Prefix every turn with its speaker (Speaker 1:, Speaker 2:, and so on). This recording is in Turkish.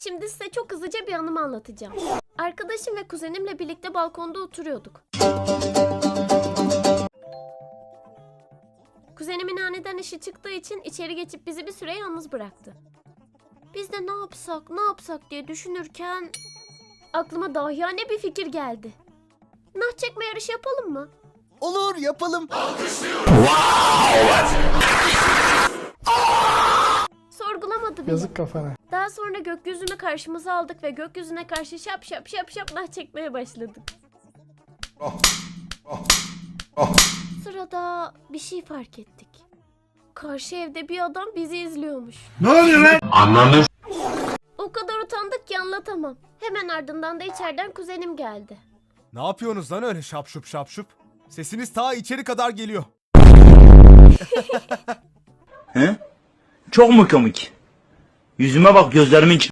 Speaker 1: Şimdi size çok hızlıca bir anımı anlatacağım. Arkadaşım ve kuzenimle birlikte balkonda oturuyorduk. Kuzenimin aniden işi çıktığı için içeri geçip bizi bir süre yalnız bıraktı. Biz de ne yapsak diye düşünürken aklıma dahiyane bir fikir geldi. Nah çekme yarışı yapalım mı?
Speaker 2: Olur, yapalım.
Speaker 1: Sorgulamadı bile.
Speaker 3: Yazık kafana.
Speaker 1: Daha sonra gökyüzünü karşımıza aldık ve gökyüzüne karşı şap şap şap şap nah çekmeye başladık. Sırada bir şey fark ettik. Karşı evde bir adam bizi izliyormuş.
Speaker 4: Ne oluyor lan? Anladın.
Speaker 1: O kadar utandık ki anlatamam. Hemen ardından da içeriden kuzenim geldi.
Speaker 5: Ne yapıyorsunuz lan öyle şapşup şapşup? Sesiniz ta içeri kadar geliyor.
Speaker 4: He? Çok mu komik? Yüzüme bak, gözlerimin